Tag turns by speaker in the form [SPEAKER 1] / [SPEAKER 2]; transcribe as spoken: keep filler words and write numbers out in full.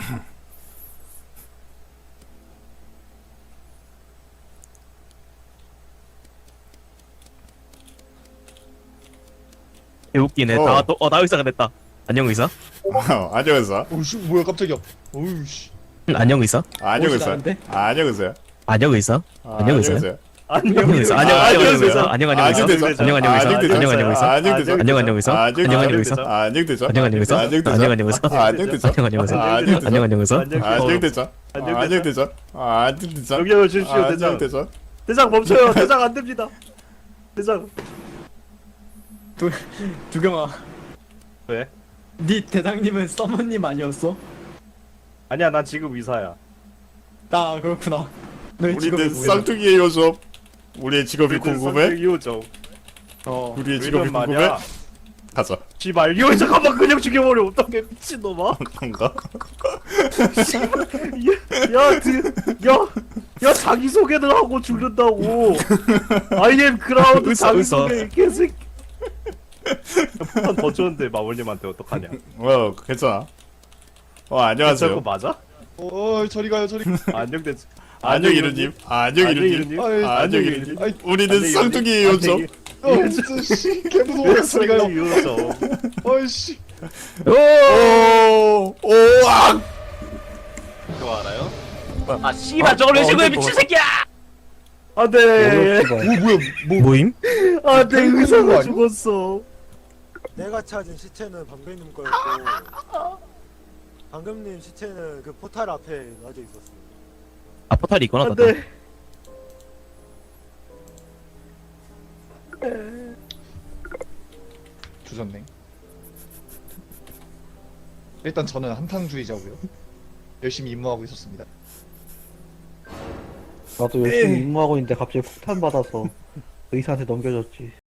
[SPEAKER 1] 개웃기네.
[SPEAKER 2] 어.
[SPEAKER 1] 나 또, 어, 나 의사가 됐다. 안녕 의사?
[SPEAKER 2] 어, 안녕 의사.
[SPEAKER 3] 오씨 뭐야 깜짝이야. 오우씨.
[SPEAKER 1] 응, 안녕 의사?
[SPEAKER 2] 안녕 의사.
[SPEAKER 3] 나는데?
[SPEAKER 2] 안녕 의사.
[SPEAKER 1] 안녕 의사? 안녕 의사요?
[SPEAKER 4] 안녕
[SPEAKER 1] 안녕 의사? 안녕 안녕 의사? 안녕 안녕 의사? 안녕 안녕 의사? 안녕 안녕 의사?
[SPEAKER 2] 안녕 대사.
[SPEAKER 1] 안녕 안녕 의사? 안녕 안녕 의사?
[SPEAKER 2] 안녕 대사.
[SPEAKER 1] 안녕 안녕 의사?
[SPEAKER 2] 안녕 대사.
[SPEAKER 1] 안녕 안녕 의사?
[SPEAKER 2] 안녕 대사.
[SPEAKER 1] 안녕 안녕 의사?
[SPEAKER 2] 안녕 대사.
[SPEAKER 1] 안녕 안녕 의사?
[SPEAKER 2] 안녕 대사.
[SPEAKER 4] 안녕
[SPEAKER 2] 안녕 대사. 안녕 대사.
[SPEAKER 4] 여기요 주십시오
[SPEAKER 2] 안녕
[SPEAKER 4] 대장.
[SPEAKER 2] 대사.
[SPEAKER 4] 대장 멈춰요. 대장 안 됩니다. 대장.
[SPEAKER 3] 두 두경아.
[SPEAKER 4] 왜?
[SPEAKER 3] 네 대장님은 서머님 아니었어?
[SPEAKER 4] 아니야 난 지금 의사야.
[SPEAKER 3] 나 그렇구나. 너의 직업이
[SPEAKER 2] 우리는
[SPEAKER 3] 뭐야?
[SPEAKER 2] 쌍둥이의 요섭. 우리의 직업이 궁금해?
[SPEAKER 4] 이호정.
[SPEAKER 3] 어.
[SPEAKER 2] 우리의 직업이
[SPEAKER 4] 이런
[SPEAKER 2] 궁금해?
[SPEAKER 4] 말이야.
[SPEAKER 2] 가자.
[SPEAKER 4] 씨발 이호 잠깐만 그냥 죽여버려 어떡해 미친놈아.
[SPEAKER 2] 건가?
[SPEAKER 4] 야, 드, 야, 야 자기 소개를 하고 죽는다고. I am 크라우드
[SPEAKER 1] 의사,
[SPEAKER 4] 자기
[SPEAKER 1] 의사.
[SPEAKER 4] 소개 개새끼. 한더 줬는데 마월님한테 어떡하냐?
[SPEAKER 2] 어, 괜찮아. 어,
[SPEAKER 4] 저거
[SPEAKER 2] 안녕하세요.
[SPEAKER 4] 맞아?
[SPEAKER 3] 어 저리 가요 저리.
[SPEAKER 4] 안녕 대장.
[SPEAKER 2] 안녕 이루님. 안녕 이루님.
[SPEAKER 3] 아이,
[SPEAKER 2] 안녕
[SPEAKER 4] 안녕,
[SPEAKER 2] 이루님.
[SPEAKER 3] 아이,
[SPEAKER 2] 우리는 쌍둥이의 요섭.
[SPEAKER 3] 어 진짜 씨 개무서워. 저리 가요.
[SPEAKER 4] 이호정.
[SPEAKER 3] 어이씨.
[SPEAKER 2] 오, 오악.
[SPEAKER 4] 그거 알아요? 아 씨발 저걸 왜 지금 미친 새끼야! 안돼.
[SPEAKER 3] 오 뭐야 뭐.
[SPEAKER 1] 모임?
[SPEAKER 4] 안돼
[SPEAKER 3] 뭐
[SPEAKER 4] 의사가
[SPEAKER 3] 아니야?
[SPEAKER 4] 죽었어.
[SPEAKER 5] 내가 찾은 시체는 방금님 거였고 방금님 시체는 그 포탈 앞에 놔져 있었어.
[SPEAKER 1] 아 포탈이 있구나. 나도.
[SPEAKER 4] 안돼.
[SPEAKER 3] 주셨네. 일단 저는 한탕주의자고요. 열심히 임무하고 있었습니다.
[SPEAKER 6] 나도 열심히 임무하고 있는데 갑자기 폭탄 받아서 의사한테 넘겨줬지.